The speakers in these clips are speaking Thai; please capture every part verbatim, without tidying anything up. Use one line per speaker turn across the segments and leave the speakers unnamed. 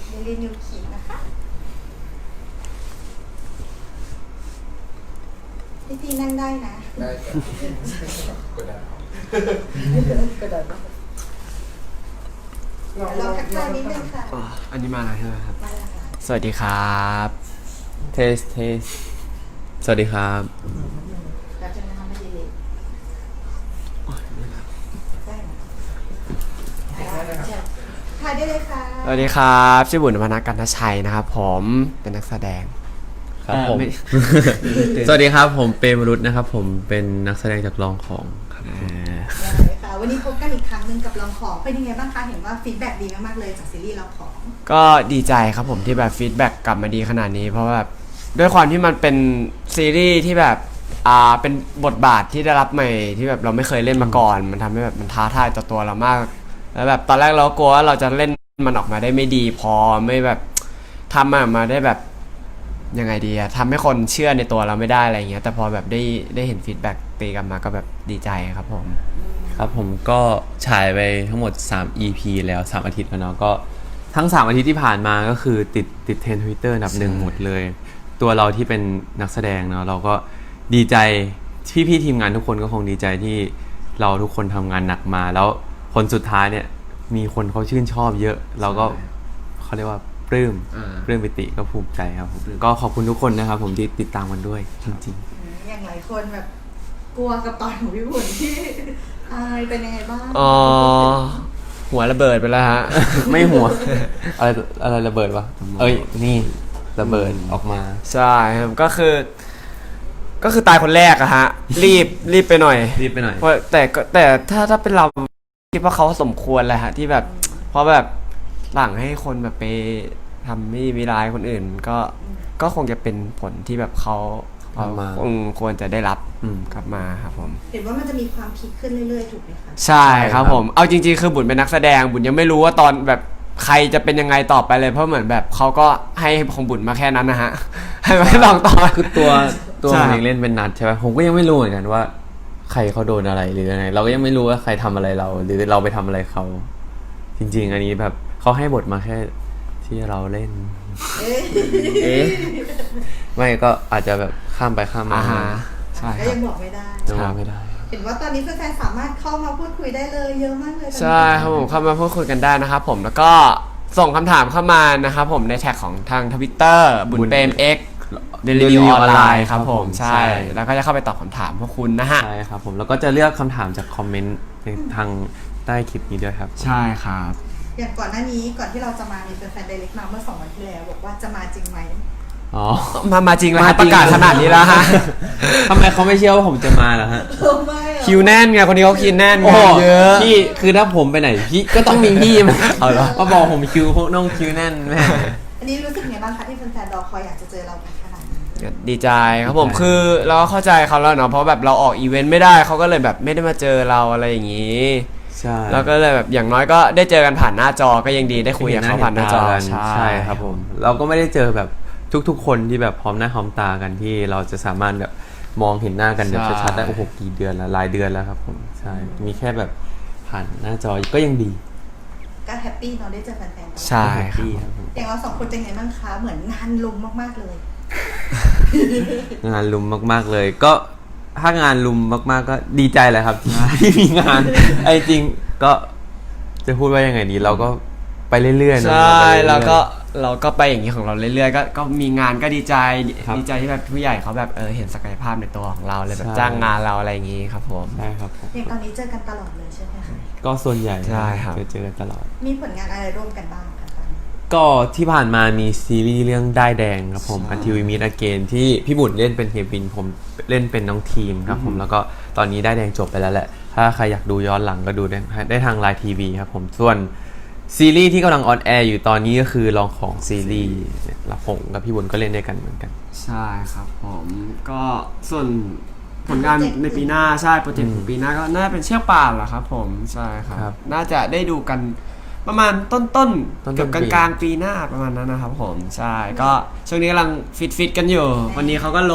เดลินิวคิงนะคะพี่ตีนั่งได้นะ
ได้ครับกดดัน
กดดันเราทักทายนิดนึงค่ะ
อันนี้มาแล้วใช่ไหมครับ
มาแล้วค่ะ
สวัสดีครับเทสเทสสวัสดีครับ
เราจะทำให้ดีเลยได้ไหมถ่ายได้เลยค่ะ
สวัสดีครับชื่อบุญพนักกันทชัยนะครับผมเป็นนักแสดง
ครับผมสวัสดีครับผมเปรมรุตนะครับผมเป็นนักแสดงจากลองของครับ
ค่ะวันนี้พบกันอีกครั้งหนึ่งกับลองของเป็นยังไงบ้างคะเห็นว่าฟีดแบ็กดีมากๆเลยจากซีรีส์ลองของ
ก็ดีใจครับผมที่แบบฟีดแบ็กกลับมาดีขนาดนี้เพราะว่าแบบด้วยความที่มันเป็นซีรีส์ที่แบบอ่าเป็นบทบาทที่ได้รับใหม่ที่แบบเราไม่เคยเล่นมาก่อนมันทำให้แบบมันท้าทายต่อตัวเรามากแล้วแบบตอนแรกเรากลัวว่าเราจะเล่นมันออกมาได้ไม่ดีพอไม่แบบทำมันออกมาได้แบบยังไงดีอะทำให้คนเชื่อในตัวเราไม่ได้อะไรเงี้ยแต่พอแบบได้ได้เห็นฟีดแบ็กตีกลับมาก็แบบดีใจครับผม
ครับผมก็ฉายไปทั้งหมดสาม อี พี แล้วสามอาทิตย์แล้วเนาะก็ทั้งสามอาทิตย์ที่ผ่านมาก็คือติดติดเทรนด์ Twitter อันดับหนึ่งหมดเลยตัวเราที่เป็นนักแสดงเนาะเราก็ดีใจพี่พี่ทีมงานทุกคนก็คงดีใจที่เราทุกคนทำงานหนักมาแล้วผลสุดท้ายเนี่ยมีคนเขาชื่นชอบเยอะเราก็เขาเรียกว่าปลื้มปลื้มปิติก็ภูมิใจครับผมก็ขอบคุณทุกคนนะครับผมที่ติดตามกันด้วยจริง
ๆอย่างหลายคนแบบกลัวกับตอนของพี่บุญที่อายเป็นยังไงบ้าง
อ๋อหัวระเบิดไปแล้วฮะ
ไม่หัวอะไรอะไรระเบิดวะเอ้ยนี่ระเบิดออกมา
ใช่ครับก็คือก็คือตายคนแรกอะฮะรีบรีบไปหน่อย
รีบไปหน่อย
เพราะแต่แต่ถ้าถ้าเป็นเราคิดว่าเขาสมควรแหละฮะที่แบบเพราะแบบหลังให้คนแบบไปทำไม่มีร้ายคนอื่นก็ก็คงจะเป็นผลที่แบบเขาเขาควรจะได้รับกลับมาครับผม
เห็นว่ามันจะมีความพีคขึ้นเรื่อยๆถูกไหมคะ
ใช่ครับผมเอาจริงๆคือบุญเป็นนักแสดงบุญยังไม่รู้ว่าตอนแบบใครจะเป็นยังไงต่อไปเลยเพราะเหมือนแบบเขาก็ให้ของบุญมาแค่นั้นนะฮะให้ไม่ลองต่อ
คือตัวตัวเองเล่นเป็นนัดใช่ไหมผมก็ยังไม่รู้เหมือนกันว่าใครเขาโดนอะไรหรือยังไงเราก็ยังไม่รู้ว่าใครทำอะไรเราหรือเราไปทำอะไรเขาจริงๆอันนี้แบบเขาให้บทมาแค่ที่เราเล่นเอ๊ะไม่ก็อาจจะแบบข้ามไปข้ามมา
ใช่
ก็ยังบอกไม่ได้
ยังบอกไม่ได้
เห็นว่าตอนนี้แฟนๆสามารถเข้ามาพูดคุยได้เลยเยอะมากเลย
ใช่ครับผมเข้ามาพูดคุยกันได้นะครับผมแล้วก็ส่งคำถามเข้ามานะครับผมในแท็กของทาง Twitter บุญเปรม X เดลินิวออนไลน์ครับผมใช่แล้วก็จะเข้าไปตอบคำถามพวกคุณนะฮะ
ใช่ครับผมแล้วก็จะเลือกคำถามจากคอมเมนต์ในทางใต้คลิปนี้ด้วยครับ
ใช่ครับ
อย่างก่อนหน้านี้ก่อนที่เราจะมามีแฟนๆไดเรกมาเมื่อสองวันที่แล้วบอกว่าจะมาจริงไหม
อ๋อมามาจริงแล้วประกาศขนาดนี้แล้วฮะ
ทำไมเขาไม่เชื่อว่าผมจะมาล่ะฮะ
คิวแน่นไงคนนี้เขาคิวแน่นเยอะ
พี่คือถ้าผมไปไหนพี่ก็ต้องมีพี่มาเอาเหรอมาบอกผมคิวพวกน้องคิวแน่นแม่
อันนี้รู้สึกไงบ้างคะที่แฟนๆรอคอยอยากจะเจอเราขนาดนี้
ดีใจครับผมคือเราเข้าใจเขาแล้วเนาะเพราะแบบเราออกอีเวนต์ไม่ได้เขาก็เลยแบบไม่ได้มาเจอเราอะไรอย่างนี้
ใช่
แล้วก็เลยแบบอย่างน้อยก็ได้เจอกันผ่านหน้าจอก็ยังดีได้คุยกับเขาผ่านหน้าจอ
ใช่ครับผมเราก็ไม่ได้เจอแบบทุกๆคนที่แบบพร้อมหน้าพร้อมตากันที่เราจะสามารถแบบมองเห็นหน้ากันแบบชัดๆได้โอ้โหกี่เดือนแล้วหลายเดือนแล้วครับผมใช่มีแค่แบบผ่านหน้าจอก็ยังดี
ก็แฮปปี้เนาะได้เจอแฟน
ๆใช่ครับ
อย่างเราสองคนเป็นไงบ้างคะเหมือนงานลุมมากๆเลย
งานลุมมากๆเลยก็ถ้างานลุมมากๆก็ดีใจแหละครับที่มีงานไอ้จริงก็จะพูดว่ายังไงดีเราก็ไปเรื่อยๆ
นะใช่แล้วก็เราก็ไปอย่างนี้ของเราเรื่อยๆก็ก็มีงานก็ดีใจดีใจที่แบบผู้ใหญ่เขาแบบเออเห็นศักยภาพในตัวของเราเลยแบบจ้างงานเราอะไรอย่างนี้ครับผม
ใช่ครับ
อย่างตอนนี้เจอกันตลอดเลยใช่ไหมคะ
ก็ส่วนใหญ่
ใช่ครับ
เจอกันตลอด
มีผลงานอะไรร่วมกันบ้างคะ
ก็ที่ผ่านมามีซีรีส์เรื่องได้แดงครับผม Until We Meet Again ที่พี่บุญเล่นเป็นเฮบินผมเล่นเป็นน้องทีมครับผมแล้วก็ตอนนี้ได้แดงจบไปแล้วแหละถ้าใครอยากดูย้อนหลังก็ดูได้ได้ทาง ไลน์ ที วี ครับผมส่วนซีรีส์ที่กำลังออนแอร์อยู่ตอนนี้ก็คือลองของซีรีส์แล้วผมกับพี่บุญก็เล่นด้วยกันเหมือนกัน
ใช่ครับผมก็ส่วนผลงานในปีหน้าใช่โปรเจกต์ของปีหน้าก็น่าเป็นเชือกป่านแหละครับผมใช่ครับน่าจะได้ดูกันประมาณต้นต้นเกือบกลางกลางปีหน้าประมาณนั้นนะครับผมใช่ก็ช่วงนี้กำลังฟิตฟิตกันอยู่วันนี้เขาก็ลด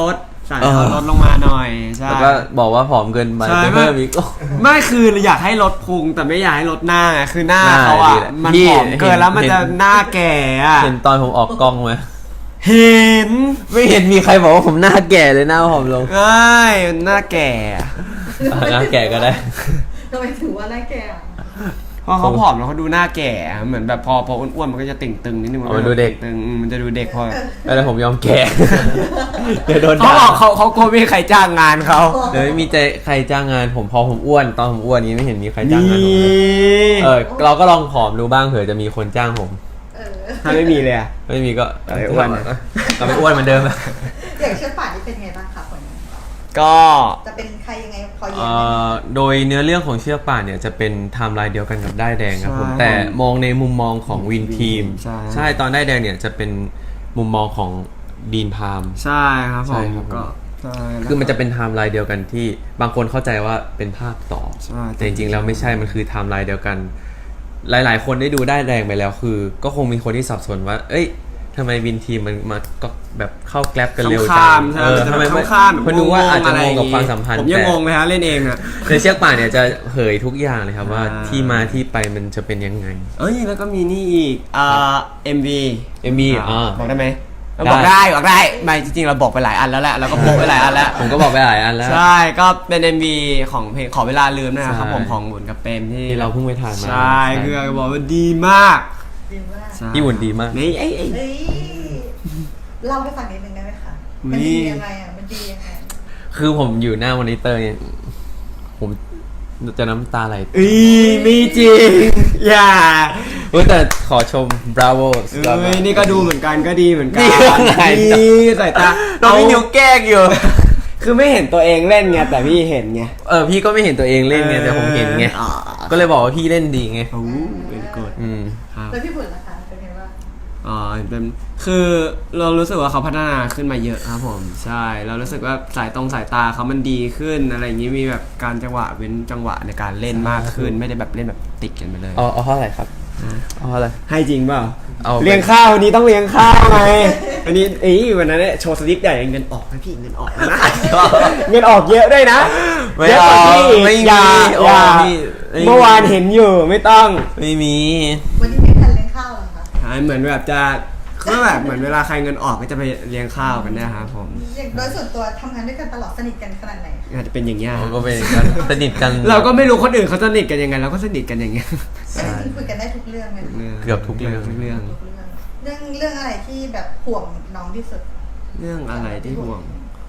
สั่ง
เออ
ให้เขาลดลงมาหน่อยใช่
แล้วก็บอกว่าผอมเกินไป
ใช่
ไปเพิ่มอีก
ไม่คืออยากให้ลดพุงแต่ไม่อยากให้ลดหน้าไงคือหน้า
หน้า
เขา
ดี
อ่ะ
แหละ
มัน
พี่
ผอมเกินแล้วมัน
เห็น
จะหน้าแก่อะ
เห็นตอนผมออกกล้องไหม
เห็น
ไม่เห็นมีใครบอกว่าผมหน้าแก่เลยหน้าผอมลง
ใช่หน้าแก่อะ
อ่ะหน้าแก่ก็ได้
ทำไมถือว่าหน้าแก่อะ
เพราะเขาผอมแล้วเขาดูหน้าแก่อะเหมือนแบบพอพออ้วนๆมันก็จะติ่งตึงนิดนึง
อ๋อมันดูเด็ก
ตึงอืมมันจะดูเด็กพอ
แล้วผมยอมแก่ เดี๋ยวโดน
เขา
ด่า
บอกเขาเขากลัวไม่มีใครจ้างงานเขา
เดี๋ยวไม่มีใจใครจ้างงานผมพอผมอ้วนตอนผมอ้วนนี้ไม่เห็นมีใครจ้างงานผมเลยเออเราก็ลองผอมดูบ้างเผื่อจะมีคนจ้างผม
เออ
ถ้าไม่มีเลยอะ
ไม่มีก็
เอาไปอ้วน
กลับไปอ้วนเหมือนเดิม
อย่างเชือกป่านนี่เป็นไงบ้างคะผลงาน
ก็
จะเป็นใครยังไงพอเย็น
เอ่
ไหม
อโดยเนื้อเรื่องของเชือกป่านเนี่ยจะเป็นไทม์ไลน์เดียวกันกับได้ายแดงครับผม
ใช่
แต่มองในมุมมองของวินทีม
ใช่
ใช่ตอนได้ายแดงเนี่ยจะเป็นมุมมองของดีนพาม
ใช่ครับผ
ใช่
ม
ครับผม
ก็ใช่
คือมันจะเป็นไทม์ไลน์เดียวกันที่บางคนเข้าใจว่าเป็นภาคต่อ
ใช่
แต่จริงๆแล้วไม่ใช่มันคือไทม์ไลน์เดียวกัน หลายๆ คนได้ดูได้ายแดงไปแล้วคือ ก็คงมีคนที่สับสนว่า เอ้ยทำไมวินทีมมันมาก็แบบเข้าแกลบกันเร็วจั
ข้าง มๆใช่
เออ
มันจะ
ทำไม
แบบ
ไม่
ข้ามๆ
เพราะนึกว่าอาจจะ
ะ
ง
ไรง
กับความสัมพันธ์
ผมยัง
แต่
งงเลยฮะเล่นเองอะ
ในเชือกป่านเนี่ยจะเผยทุกอย่างเลยครับว่า
อ่า
ที่มาที่ไปมันจะเป็นยังไง
เอ้ยแล้วก็มีนี่อีกอ่า เอ็ม วี
เอ็มวีอ่า
บอกได้ไหม
ได้
บอกได้บอกได้ไม่จริงๆเราบอกไปหลายอันแล้วแหละเราก็โพสไปหลายอันแล้ว
ผมก็บอกไปหลายอันแล้ว
ใช่ก็เป็น เอ็ม วี ของเพลงขอเวลาลืมนะครับ
ใช่
ผมของบุญกับเปรมที่
ที่เราเพิ่งไปถ่ายมา
ใช่คือบอกว่าดีมาก
ดีมาก
ใช่
พี่หุ่นดีมาก
นี่ไอ้ไอ้
เฮ้ยเล่าให้ฟังนิดนึงได้ไหมคะ
อุ๊ย
มันดียังไงอ่ะมันดียังไง
คือผมอยู่หน้ามอนิเตอร์เนี่ยผมจะน้ำตาไหล
อีมีจริงอย่า
เฮ้ยแต่ขอชม bravo
เอ้ยนี่ก็ดูเหมือนกันก็ดีเหมือนกัน
นี่อะไร
นี่สายตา
เราพี่นิวแกล้งอยู่
คือไม่เห็นตัวเองเล่นไงแต่พี่เห็นไง
เออพี่ก็ไม่เห็นตัวเองเล่นไงแต่ผมเห็นไง
อ๋อ
ก็เลยบอกว่าพี่เล่นดีไง
โอ้เป็นกด
อืม
ครับ
แล้วพี่บุญล่ะคะเป็นไงบ้าง
อ๋อเป็นคือเรารู้สึกว่าเขาพัฒนาขึ้นมาเยอะครับผมใช่เรารู้สึกว่าสายตรงสายตาเขามันดีขึ้นอะไรอย่างนี้มีแบบการจังหวะเว้นจังหวะในการเล่นมากขึ้น ไม่ได้แบบเล่นแบบติดกันไปเลย
เอาเอาเท่าไหร่ครับเอาเท่าไหร่
ให้จริงเปล่า
เอาไป
เลี้ยงข้าววันนี้ต้องเลี้ยงข้าวไงวันนี้เอ้ยวันนั้นเนี่ยโชว์สลิปใหญ่เงินออกนะพี่เงินออกนะ เงินออกเยอะด้วยนะ
ไม่
เยอะ
เอา
กว่าพี่
ไม่มี
อย่า
โอ้
อย่า
พี่ไม่มี
เมื่อวานเห็นอยู่ไม่ต้อง
ไม่มี
วันนี้ไม่ทันเลี้ยงข้าวเหรอคะ
ใช่เหมือนแบบจะก็แบบเหมือนเวลาใครเงินออกก็จะไปเลี้ยงข้าวกันเนะครับผม
อย่างโดยส่วนตัวทำงานด้วยกันตลอดสนิทกันขนาดไหน
อาจจะเป็นอย่างเงี้ย
เราก็เป็นกันสนิทกัน
เราก็ไม่รู้คนอื่นเขาสนิทกันยังไงเราก็สนิทกันอย่างเงี้ย
แต่จริงๆคุยกันได้ทุกเรื่องไหม
เกือบทุกเรื่อง
ทุกเรื่อง
ทุกเรื่องเรื่องเรื่องอะไรที่แบบห่วงน้องที่สุด
เรื่องอะไรที่ห่วง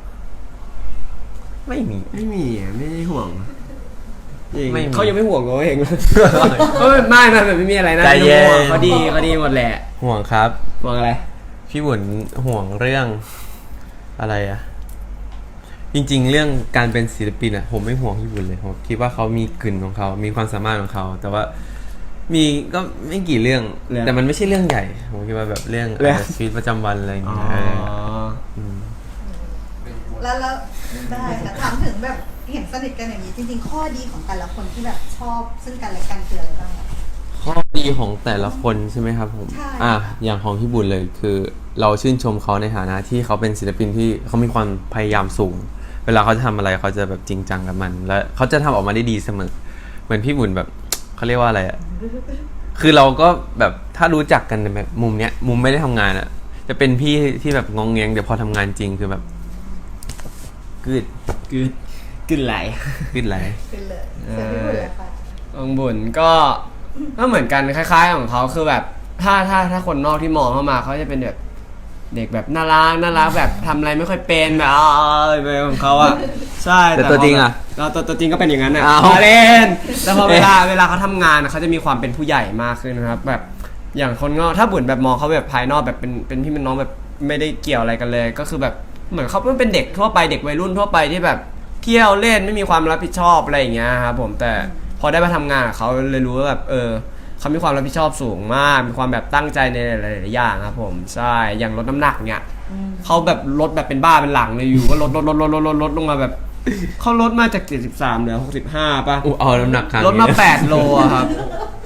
ไม่มี
ไม่มีอ่ะไม่ได้ห่วงจริง
ไม่มี
เขายังไม่ห่วงเราเองเลยเอ้ยไม่ไม่ไม่ไม่มีอะไรนะ
ใจเย็น
ไม่ต้องห่วงเขาดีเขาดีหมดแหละ
ห่วงครับ
ห่วงอะไร
พี่บุญห่วงเรื่องอะไรอะจริงๆ เรื่องการเป็นศิลปินอะผมไม่ห่วงพี่บุญเลยผมคิดว่าเขามีกลิ่นของเขา มีความสามารถของเขา แต่ว่ามีก็ไม่กี่เรื่อง แต่มันไม่ใช่เรื่องใหญ่ ผมคิดว่าแบบเรื่องอะไรชีวิตประจำวันอะไรอย่าง
อ๋อ
เงี้ยเออม
แล้วแล้วได้ค่ะถามถึงแบบเห็นสนิทกันอย่างนี้จริงๆ ข้อดีของแต่ละคนที่แบบชอบซึ่งกันและกันคืออะไรบ้างคะ
ข้อดีของแต่ละคนใช่ไหมครับผม
ใช่
อ่ะอย่างของพี่บุญเลยคือ เราชื่นชมเขาในฐานะที่เขาเป็นศิลปินที่เขามีความพยายามสูง เวลาเขาจะทำอะไรเขาจะแบบจริงจังกับมัน และเขาจะทำออกมาได้ดีเสมอ เหมือนพี่บุญแบบเขาเรียกว่าอะไรอ่ะ คือเราก็แบบถ้ารู้จักกันในแบบมุมเนี้ย มุมไม่ได้ทำงานอ่ะ จะเป็นพี่ที่แบบงองแงงเดี๋ยวพอทำงานจริงคือแบบกึด
กึดกึดไหล
กึดไหล
เป็นเลยเสือพี่บุญเลยค่ะ
องบุญก็ก็เหมือนกันคล้ายๆของเขาคือแบบถ้าถ้าถ้าคนนอกที่มองเข้ามาเขาจะเป็นแบบเด็กแบบน่ารักน่ารักแบบทำอะไรไม่ค่อยเป็นแบบอ๋อไปของเขาอะใช่
แต่ตัวจริงอะ
เราตัวตัวจริงก็เป็นอย่างนั้นอะ
อ้าว
มาเล่นแต่พอเวลาเวลาเขาทำงานอะเขาจะมีความเป็นผู้ใหญ่มากขึ้นนะครับแบบอย่างคนนอกถ้าบุญแบบมองเขาแบบภายนอกแบบเป็นเป็นพี่เป็นน้องแบบไม่ได้เกี่ยวอะไรกันเลย ก็คือแบบเหมือนเขาเป็นเด็กทั่วไปเด็กวัยรุ่นทั่วไปที่แบบเที่ยวเล่นไม่มีความรับผิดชอบอะไรอย่างเงี้ยครับผมแต่พอได้มาทำงานกับเขาเลยรู้ว่าแบบเออเขามีความรับผิดชอบสูงมากมีความแบบตั้งใจในหลายๆอย่างครับผมใช่อย่างลดน้ำหนักเนี่ยเขาแบบลดแบบเป็นบ้าเป็นหลังเลยอยู่ก็ลดลดลดลดลดลดลดลงมาแบบเขาลดมาจากเจ็ดสิบสามเหลือหกสิบห้าป่ะ
อู้เอาน้ำหนักครั้ง
ลดมา
นี้
แปดโลอะครับ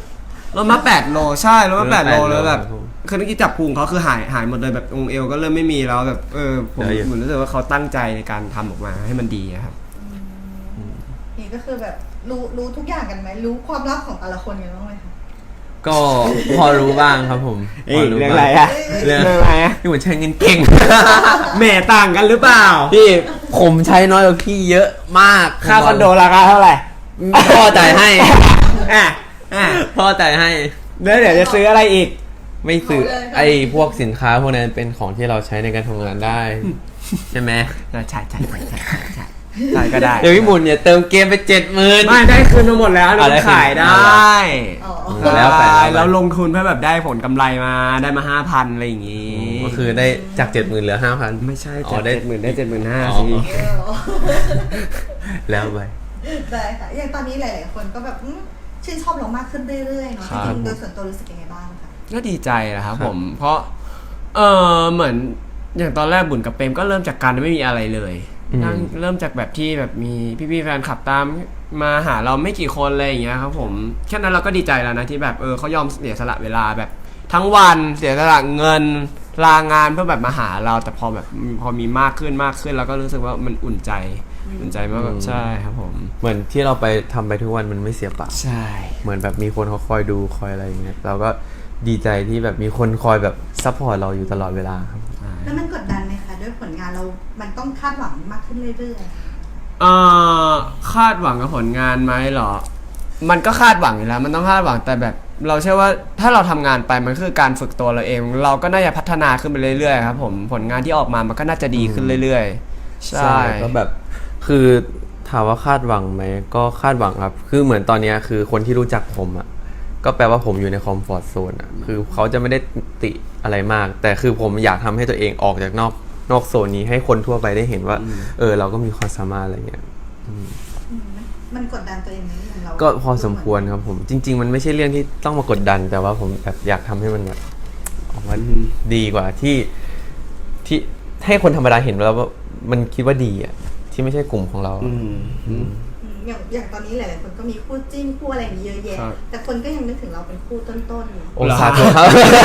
ลดมาแปดโลใช่ลดมาแปดโล
ลดมาแปดโล
แล้วแบบ
ครับผม
คือเมื่อกี้จับพุงเขาคือหายหายหมดเลยแบบองค์เอวก็เริ่มไม่มีแล้วแบบเออผม
ได้อยู่
เหมือนรู้สึกว่าเขาตั้งใจในการทำออกมาให้มันดีอะครับ
นี่ก็คือแบบรู้รู้ทุกอย่างกันไหมรู้ความลับของแต่ละคนกันบ้างไหมคะ
ก็พอรู้บ้างครับผมพอรู้
เรื่อง
บ้าง
อะไรอะ
เรื่อง
เรื่องอะไรอะ
พี่เหมือนใช้เงินเก่ง
แหม่ต่างกันหรือเปล่า
พี่ผมใช้น้อยกว่าพี่เยอะมาก
ค่าคอนโดราคาเท่าไหร่
พ่อจ่ายให้
อ่ะอ่ะ
พ่อจ่ายให้
แล้วเดี๋ยวจะซื้ออะไรอีก
ไม่ซื้อไอ้พวกสินค้าพวกนั้นเป็นของที่เราใช้ในการทำงานได้ ใช่ไหม
ใช่ใช่ใช่ใช่ใช่ใช่ใช่ก็ได้
เดี๋ยวพี่หมุนเนี่ยเติมเกมไปเจ็ดหมื่น
ไม่ได้คืนมาหมดแล้ว
อ่ะได้
เราขายได้
อ๋อ
แล้วแต่แล้วแต่
แล้วลงทุนเพื่อแบบได้ผลกำไรมาได้มาห้าพันอะไรอย่างงี้
ก็คือได้จากเจ็ดหมื่นเหลือห้าพัน
ไม่ใช่
อ๋
จา
อก ได้
เจ็ดหมื่นได้เจ็ดหมื่นห้า
อ๋อ
สิ
เออ
แล้วไป
ได้ค่ะอย่างตอนนี้หลายๆคนก็แบบอืมชื่นชอบเรามากขึ้นเรื่อยๆเนาะจริงๆโดยส่วนตัวรู้สึกยังไงบ้างคะ
ก็ดีใจนะครับ
ครับ
ผม เพราะเออเหมือนอย่างตอนแรกบุญกับเปรมก็เริ่มจากการไม่มีอะไรเลยนั่งเริ่มจากแบบที่แบบมีพี่ๆแฟนคลับตามมาหาเราไม่กี่คนอะไรอย่างเงี้ยครับผมแค่นั้นเราก็ดีใจแล้วนะที่แบบเออเขายอมเสียสละเวลาแบบทั้งวันเสียสละเงินลางานเพื่อแบบมาหาเราแต่พอแบบพอมีมากขึ้นมากขึ้นเราก็รู้สึกว่ามันอุ่นใจอุ่นใจมากแบบใช่ครับผม
เหมือนที่เราไปทำไปทุกวันมันไม่เสียเปล่า
ใช่
เหมือนแบบมีคนเขาคอยดูคอยอะไรอย่างเงี้ยเราก็ดีใจที่แบบมีคนคอยแบบซัพพอร์ตเราอยู่ตลอดเวลาครับ
แล้วมันกดดันไหมคะด้วยผลงานเรา มันต้องคาดหวังมากขึ้นเรื่อย
เอ่อคาดหวังกับผลงานไหมเหรอ มันก็คาดหวังอยู่แล้ว มันต้องคาดหวังแต่แบบ เราเชื่อว่าถ้าเราทำงานไปมันคือการฝึกตัวเราเอง เราก็น่าจะพัฒนาขึ้นไปเรื่อยๆครับผมผลงานที่ออกมามันก็น่าจะดีขึ้นเรื่อยๆใช่
ก็แบบคือถามว่าคาดหวังไหมก็คาดหวังครับ คือเหมือนตอนเนี้ยคือคนที่รู้จักผมอ่ะก็แปลว่าผมอยู่ในคอมฟอร์ทโซนอ่ะคือเขาจะไม่ได้ติอะไรมาก แต่คือผมอยากทำให้ตัวเองออกจากนอกนอกโซนนี้ให้คนทั่วไปได้เห็นว่า เออเราก็มีความสามารถอะไรเงี้ย
ๆอืมมันมันกดดันตัวเองไหมอย่างเรา
ก็พอสมควรครับผมจริง ๆ มันไม่ใช่เรื่องที่ต้องมากดดัน แต่ว่าผมแบบอยากทำให้มันแบบออกมาดีกว่าที่ที่ให้คนธรรมดาเห็นแล้วว่ามันคิดว่าดีอ่ะที่ไม่ใช่กลุ่มของเรา
อืม
อืมอย่างอย่างตอนนี้หลายๆคนก็มีคู่จิ้นคู่อะไรอย่างนี้เยอะแยะ
ครับ
แต่คนก็ยังนึกถึงเราเป็นคู่ต้นๆอยู่
องศาตัวครับ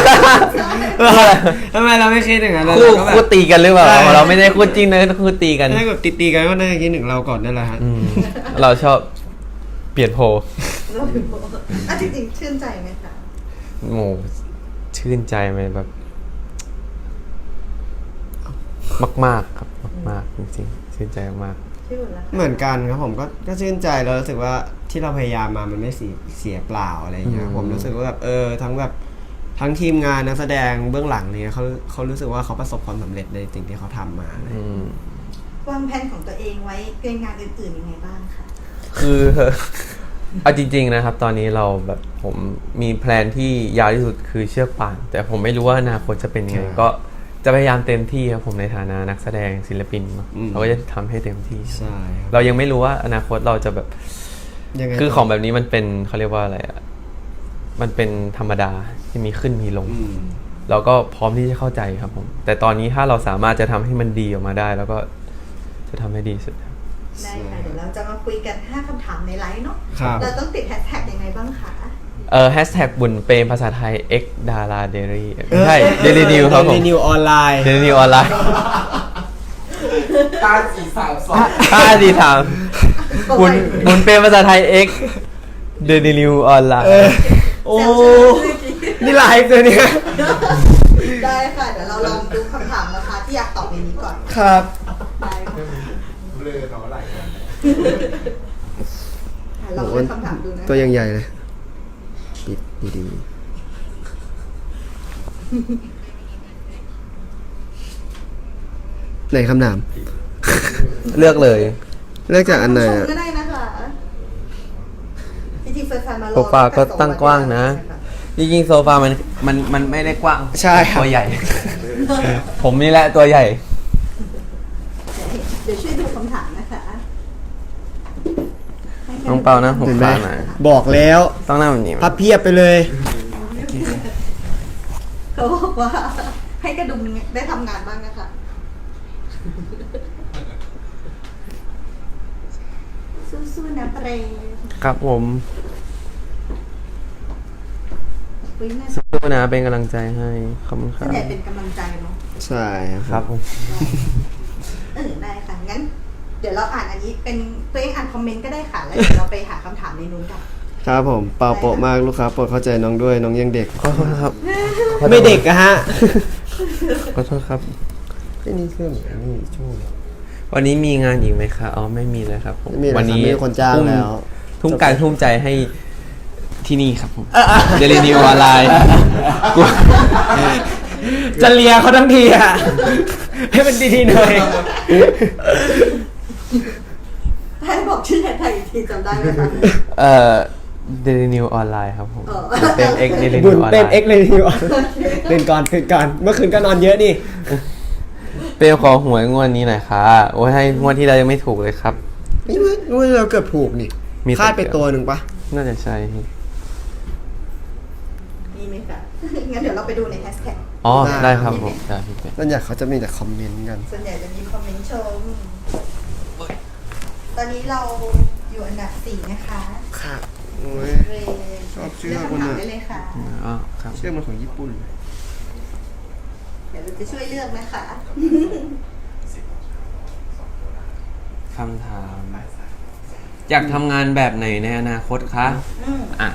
ทำไมเราไม่คิดอย่างนั้นเลย
คู่
เราก็แบบ
คู่ตีกันหรือเปล่า
ใช่
เราไม่ได้คู่จริงนะคู่ตีกัน
ถ้าแบบตีๆกันก็น่าจะคิดถึงเราก่อนนั่นแหละฮะ
อืมเราชอบเปลี่ยนโพล
เราเป็นโบอ่ะจริงๆชื่นใจไหมคะ
โอ้ชื่นใจไหมแบบ มากๆครับมากๆจริงๆชื่นใจมาก
ชื่อละ
เหมือนกันครับผมก็ก็ชื่นใจแล้วรู้สึกว่าที่เราพยายามมามันไม่เสียเสียเปล่าอะไรอย่างเงี้ยผมรู้สึกว่าแบบเออทั้งแบบทั้งทีมงานนักแสดงเบื้องหลังเนี่ยเขาเขารู้สึกว่าเขาประสบความสำเร็จในสิ่งที่เขาทำมาอะไร
ๆ
อย่าง
อื
เงี้ย
ม
วางแผนของตัวเองไว้เรื่องงานอื่นๆยังไงบ้างคะ
คือ เอาจริง ๆ นะครับ ตอนนี้เราแบบผมมีแพลนที่ยาวที่สุดคือเชือกป่าน แต่ผมไม่รู้ว่าอนาคตจะเป็นยังไงก็จะพยายามเต็มที่ครับผมในฐานะนักแสดงศิลปินเนอะเราก็จะทำให้เต็มที่
ใช่ครับ
เรายังไม่รู้ว่าอนาคตเราจะแบบ
ยังไง
คือของแบบนี้มันเป็นเขาเรียกว่าอะไรอ่ะมันเป็นธรรมดาที่มีขึ้นมีลง
อืม
เราก็พร้อมที่จะเข้าใจครับผม แต่ตอนนี้ถ้าเราสามารถจะทำให้มันดีออกมาได้ แล้วก็จะทำให้ดีสุดครับ
ได้ค่ะเดี๋ยวเราจะมาคุยกันห้าคำถามในไลฟ์เนาะ
ครับ
เราต้องติดแฮชแท็กยังไงบ้างคะ
เออแฮชแท็กบุญเปรมภาษาไทย x ดาราเดลี่ไม่ใช่เดลี่นิวครับผม
เดลี่นิวออนไลน์
เดลี่นิวออนไลน์
ห้าสี่สามสอง
ห้าดีถามบุญบุญเปรมภาษาไทย x เดลี่นิวออนไลน์
โอ้
แซวใช่ไหมเมื่อกี้
นี่ไลฟ์เลยเนี่ย
ได้ค่ะ เดี๋ยวเราลองดูคำถามนะคะที่อยากตอบในนี้ก่อน
ครับ
ได้ค่ะ
เบลอเนาะหลายคน
อ่ะลองเลือกคำถามดูนะ
ตัวยังใหญ่เลยปิดดีๆไหนคำถาม
เลือกเลย
เลือกจากอันไหน
ชม
อะ
ก็ได้นะคะจริงๆแฟนๆมารอ
โซฟาก็ตั้งกว้างนะ จริงๆโซฟามันมันมันไม่ได้กว้าง
ใช่ครับ
ตัวใหญ่ ผมนี่แหละตัวใหญ่
เดี๋ยวช่วยดูคำถามนะคะให้แค่
น้องเปานะผม
เห็นไหม
ปาหน่อย
บอกแล้ว
ต้องนั่งแบบนี้ไหม
พับเพียบไปเลย
เขาบอกว่าให้กระดุมได้ทำงานบ้างนะคะสู้ๆนะเปรม
ครับผม
เฮ้ยน่า
สู้นะเป็นกำลังใจให้ขอบคุณค
ส่
รั
วน
บ
ใหญ่เป็นกำลังใจเนาะ
ใช่ค
ครั
รั
บบ ผม
เออได้ค่ะงั้น เดี๋ยวเราอ่านอันนี้เป็นตัวเองอ่านคอมเมนต์ก็ได้ค่ะแล้วเดี๋ยวเราไปหาคำถามในนู้นกัน
ครับผมเปล่าโปะมากลูกค้าโปรดเข้าใจน้องด้วยน้องยังเด็ก
ขอโทษครับ
ไม่เด็กอะฮะ
ขอโทษครับ
ไม่นี่เครื่องนี่ช่วง
วันนี้มีงานอีกไหมคะอ๋อไม่มีเลยครับผม
ไม่มีแล้วครับ
วันี้
ไม่มีคนจ้าง
ทุ่ม
แล้ว
ทุ่มการทุ่มใจให้ที่นี่ครับผมเดลินิวออนไลน์
จะเลียเขาทั้งทีอะให้มันดีๆหน่อย
ให้บอกชื่อไทยอีกทีจำได้ไหมคะ
เอ่อเดลินิวออนไลน์ครับผม
เออ
เต็มเอ็กเดลิ
บุ
นิ
ญ
วออนไล
เต็ม
น์
เอ็กเลยทีเดียวตื่นก่อนตื่นก่อนเมื่อคืนก็นอนเยอะนี่
เปลขอหวยงวดนี้หน่อยค่ะโอ้ยให้งวดที่เรายังไม่ถูกเลยครับ
ไม่รู้รู้เราเกือบถูกนี่
มี
คาดไปตัวหนึ่งปะ
น่าจะใช่
มีไหมคะงั้นเดี๋ยวเราไปดูในแฮชแท็ก
อ๋อได้ครับผมได้พี่เป็ด
นั่นอยากเขาจะมีแต่คอมเมนต์กัน
ส่วนใหญ่จะมีคอมเมนต์ชม ตอนนี้เราอยู่อันดับสี่นะคะ
ค่ะโอ้ย
เรย์
ชอบชื่อ
เลือก
คน
คำถาม
อะ
ได้เลยค่ะ
อ๋อครับ
เชื่อมันของญี่ปุ่นเลย
เดี๋ยวเราจะช่วยเลือกนะคะ
คำถาม อยากทำงานแบบไหนในอนาคตคะ
อืม
อ่ะ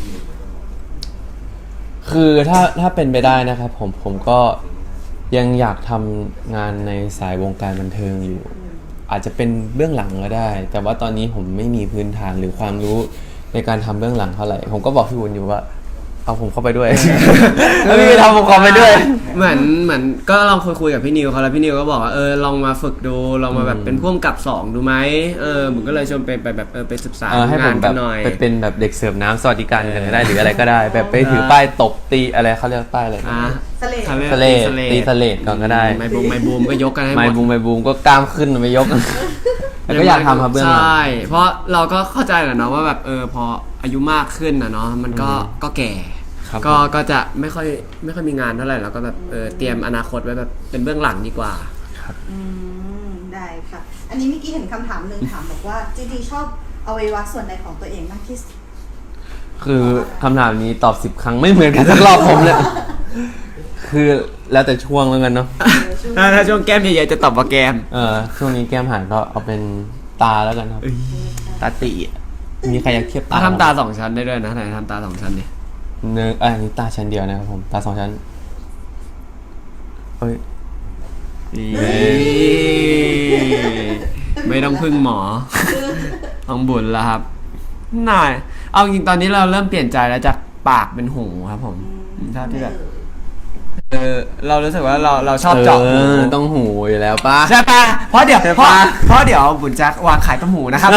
คือถ้าถ้าเป็นไปได้นะครับผมผมก็ยังอยากทำงานในสายวงการบันเทิงอยู่ อาจจะเป็นเบื้องหลังก็ได้ แต่ว่าตอนนี้ผมไม่มีพื้นฐานหรือความรู้ในการทำเบื้องหลังเท่าไหร่ผมก็บอกพี่วุ้นอยู่ว่าเอาผมเข้าไปด้วย แล้วพี่ทำผมเข้าไปด้วย
เหมือนเหมือนก็ลองคุยคุยกับพี่นิวเขาแล้วพี่นิวก็บอกว่าเออลองมาฝึกดูลองมาแบบเป็นพ่วงกับสองดูไหมเออผมก็เลยชวนไปไปแบบเออไปศึกษา
เออให้ผ
งาม น
แบ
กับ นหน่อย
ไปเป็นแบบเด็กเสิร์ฟน้ำสวัสดิการกันก็ได้หรืออะไรก็ได้ แบบไปถือป้ายตบตีอะไรเขาเรียกป้ายอะไร
อ่ะ
สเลด
ทำให้
สเลด
สเลด
ตีสเลดก่อนก็ได้
ไมบูมไมบูมก็ยกกันให้ห
ไม
มด
บูมไมบูมก็กล้ามขึ้นไม่ยก แต่ก็อยากทำครับเบื้องหลัง
ใช่เพราะเราก็เข้าใจแหละเนาะว่าแบบเออพออายุมากขึ้นนะเนาะมันก็ก็แก่
ครับ
ก็ก็จะไม่ค่อยไม่ค่อยมีงานเท่าไหร่เราก็แบบเออเตรียมอนาคตไว้แบบเป็นเบื้องหลังดีกว่า
อืมได้ค่ะ อันนี้เมื่อกี้เห็นคำถามหนึ่งถามบอกว่าจริงๆชอบอวัยวะส่วนใดของตัวเองมากที่สุด
คือคำถามนี้ตอบสิบครั้งไม่เหมือนกันสักรอบผมเลย คือแล้วแต่ช่วงแล้วกันเนาะ
ถ้าถ้าช่วงแก้มใหญ่ๆจะตอบว่าแก้ม
เออช่วงนี้แก้มหายก็เอาเป็นตาแล้วกันครับ ตาตีอะมีใครอยากเทียบตา
ถ้าทำตาสองชั้นได้ด้วยนะไหนทำตาสองชั้นดิ
เนื้ออันนี้ตาชั้นเดียวนะครับผม ตาสองชั้นเฮ้ย
ไม่ต้องพึ่งหมอต้องบุญแล้วครับน่ายเอาจริงๆตอนนี้เราเริ่มเปลี่ยนใจแล้วจากปากเป็นหูครับผมถ้าที่แบบเออเรารู้สึกว่าเราเราชอบเจาะหู
อต้องหูอยู่แล้วป้า
ใช่ปะเพราะเดี๋ยว
ใช่
เพราะ
ปะ
เพราะเดี๋ยวบุญจะวางขายต้มหูนะครับ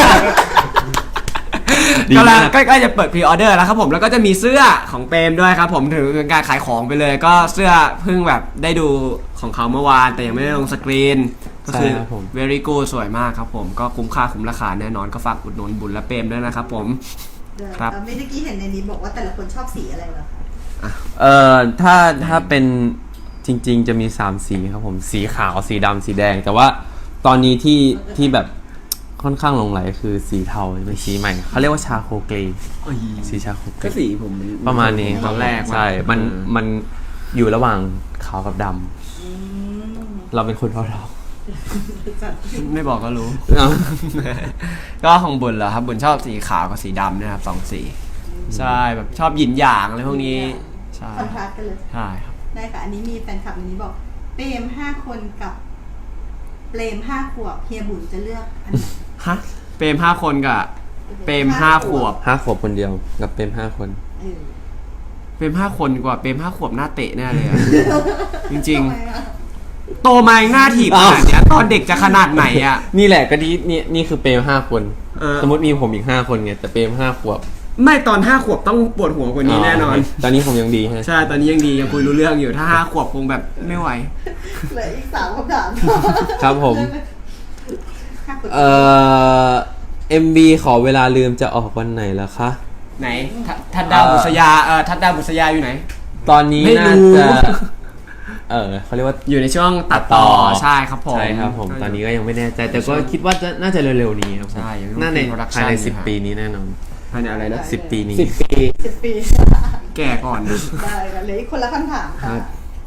ดี
กำลั
มาง ก
ใกล้ๆจะเปิดพรีออเดอร์แล้วครับผมแล้วก็จะมีเสื้อของเปรมด้วยครับผมถือเป็นการขายของไปเลย ก็เสื้อเพิ่งแบบได้ดูของเขาเมื่อวาน แต่ยังไม่ได้ลงสกรีนก็คือ
ใช่ครับผม
very good สวยมากครับผมก็คุ้มค่าคุ้มราคาแน่นอนก็ฝากอุดหนุนบุญและเปรมด้วยนะครับผม ครับ
เมื่อกี้เห็นในนี้บอกว่าแต่ละคนชอบสีอะไรเหรอคะ
เอ่อถ้าถ้าเป็นจริงๆจะมีสามสีครับผมสีขาวสีดำสีแดง แต่ว่าตอนนี้ที่ที่แบบค่อนข้างหลงไหลคือสีเทาเป็นสีใหม่เขาเรียกว่าชาโคเกรย์สีชาโคเกร
ก็
ย์
สีผม
ประมาณนี้
ตอนแรก
ใช่มัน
เออ
มันอยู่ระหว่างขาวกับดำ
อืม
เราเป็นคนเทา
ไม่บอกก็รู้
ๆเอ้า
ก็ของบุญเหรอครับบุญชอบสีขาวกับสีดำนะครับสองสีใช่แบบชอบหยินหยางอะไรพวกนี้ใช่
คอนทราสต์กันเลย
ใช่ครับ
ได้ค่ะ อันนี้มีแฟนคลับอันนี้บอกเปรมห้าคนกับเปรมห้าขวบเฮียบุญจะเลือกอันไหน
ฮะเปรมห้าคนกับเปรมห้าขวบ
ห้าขวบคนเดียวกับเป็นห้าคน
เออ
เปรมห้าคนกว่าเปรมห้าขวบหน้าเตะแน่เลยอะ จริง
ทำไมอะ
ๆ โตมายังหน้าถีบข
อ้าว
นาดเนี้ยตอนเด็กจะขนาดไหนอ่ะ
นี่แหละก็นี่นี่นี่คือเปรมห้าคน
เออ
สมมติมีผมอีกห้าคนไงแต่เปรมห้าขวบ
ไม่ตอนห้าขวบต้องปวดหัวกว่านี้แน่นอน
ตอนนี้ผมยังดีฮะ
ใช่ตอนนี้ยังดียังคุยรู้เรื่องอยู่ถ้าห้าขวบคงแบบไม่ไหว
เหลืออีกสามคำถาม
ครับผม
ห้าขวบ
เอ่อ เอ็ม บี ขอเวลาลืมจะออกวันไหนแล้วคะ
ไหนทัทัดดาวบุษยาเออทัดดาวบุษยาอยู่ไหน
ตอนนี้
ไม่
น่า
รู้
จะ เออเขาเรียกว่า
อยู่ในช่วงตัดต่อใช่ครับผม
ใช่ครับผม ตอนนี้ก็ยังไม่แน่ใจ แต่ก็คิดว่าจะน่าจะเร็วๆนี้ครับผม
ใช่ยังต้อง
น่าใน
มี production
ภายในสิบ
อยู่ครับ
ปีนี้แน่นอน
ภายในอะไรนะ
สิบปีนี้
สิบปี
สิบปี
แแก่ก่อนนะ
ได้กันเลยคนละคำถาม
ครั
ค่ะ
บ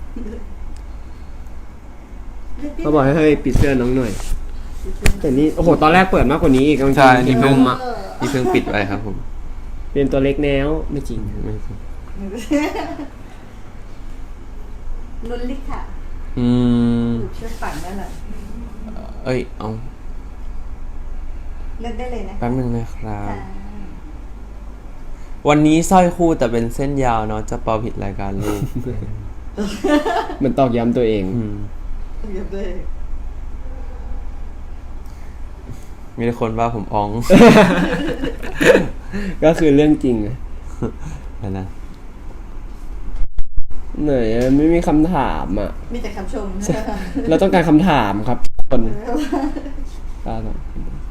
เขาบอกให้เฮ้ยปิดเสื้อน้องหน่อย แต่นี่โอ้โหตอนแรกเปิดมากกว่านี้อีกกางเก
ใช่
ง
นี่
น
เพิ่ง
มอ่ะ
นี่เพิ่งปิดไว้ครับผม
เป็นตัวเล็กแนวไม่จริง
ไม่ใช่
ลุ้นลิค่ะ
อืม
ถูกเชื่อฝันนั่นแหละ
เอ้ยเอา
เลือกได้เลยนะ
แป๊บนึงนะครับ
ค่ะ
วันนี้สร้อยคู่แต่เป็นเส้นยาวเนาะจะเป่าผิดรายการลูก
เหมือนตอกย้ำตัวเอง
อืม
เลือกเลย
มีแต่คนว่าผมอ้อง
ก็คือเรื่องจริงอะ
นั่นนะ
ไหนอะไม่มีคำถามอ่ะ
มีแต่คำชม
เราต้องการคำถามครับคนตาต่อ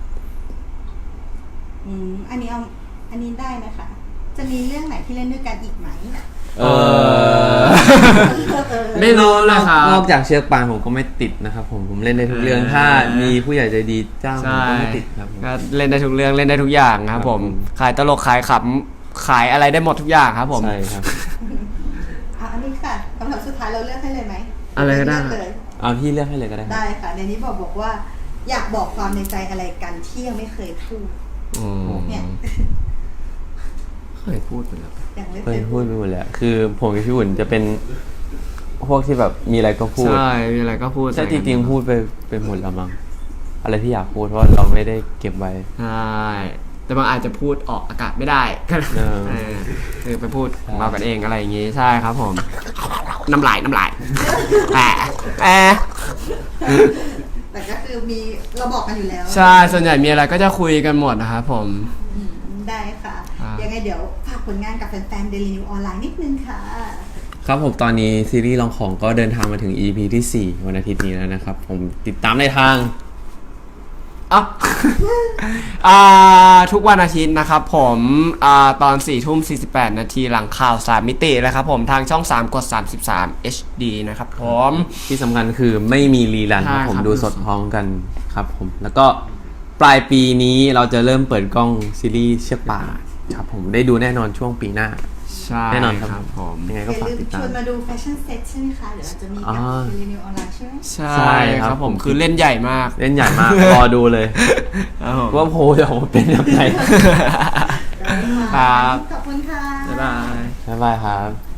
อืมอันนี้เอาอันนี้ได้นะคะ จะมีเรื่องไหนที่เล่นด้วยกันอีกไหม
เออ ไม่รู้เลยครับ
นอกจากเชือกปานผมก็ไม่ติดนะครับผมผมเล่นได้ทุกเรื่องถ้ามีผู้ใหญ่ใจดีจ้างผม
ใช่
ก็ไม่ติดครับผม
ก็เล่นได้ทุกเรื่องเล่นได้ทุกอย่างครับผม
ครับผม
ขายตลกขายขำขายอะไรได้หมดทุกอย่างครับผม
ใช่ครับ
อ่ะอันนี้ค่ะคำถามสุดท้ายเราเลือกให้เลยไหม
อะไรก็ได้
เลืเลย
เอาพี่เลือกให้เลยก็ได้ครับ
ได้ค่ะในนี้บอกบอกว่า อยากบอกความในใจอะไรกันที่ยังไม่เคยพูด
อืม
เนี่ย
เคยพูดไปแล้ว
ยังไม่
เค
เค
ย
ย
พูดไปหมดแล้วคือผมกับพี่หุ่นจะเป็นพวกที่แบบมีอะไรก็พูด
ใช่มีอะไรก็พูด
ใช่จริงๆพูดไปไปหมดแล้วมั้งอะไรที่อยากพูดเพราะเราไม่ได้เก็บไว้
ใช่แต่บางอาจจะพูดออกอากาศไม่ได้ก็
เออ
เออคือไปพูดของเรากันเองอะไรอย่างงี้ใช่ครับผม น้ำลายน้ำลายแอะแอะ
แต่ก็คือมีเราบอกกันอยู่แล้ว
ใช่ส่วนใหญ่มีอะไรก็จะคุยกันหมดนะครับผม
อืมได้ค่ะ
ครับ
ยังไงเดี๋ยวฝากผลงานกับแฟนๆ Daily New ออนไลน์นิดนึงค่ะ
ครับผมตอนนี้ซีรีส์ลองของก็เดินทางมาถึง อี พี ที่สี่วันอาทิตย์นี้แล้วนะครับผมติดตามในทาง
อ่ะ อ่าทุกวันอาทิตย์นะครับผมอ่าตอนสี่ทุ่มสี่สิบแปดนาทีหลังข่าวสามมิตินะครับผมทางช่องสามกดสามสิบสาม เอช ดี นะครับผม
ที่สำคัญคือไม่มีรีรันครับ
ใช่
ผม
ครับ
ดูสดพร้อมกันครับผมแล้วก็ปลายปีนี้เราจะเริ่มเปิดกล้องซีรีส์เชือกป่าครับผมได้ดูแน่นอนช่วงปีหน้า
ใช่
แน่นอนครับ
ครับผม
ยังไง
อ
ก็
ย่า
ฝาก
ลืม
ติด
ช
ตาม
วนมาดูแฟชั่นเซ็ตใช่ไหมคะ เดี๋ยวเราจะมีกับ
อ่า
Daily New ออนไลน์ใช่ไหม
ใช่
ใช่ครับ
ครับผม
ผม
คือเล่นใหญ่มาก
เล่นใหญ่มาก รอดูเลย
ครับผม
ว่าโพลจะออกมาเป็นยังไง
ครับ
ขอบคุณค่ะ
บ๊ายบาย
บ๊ายบายครับ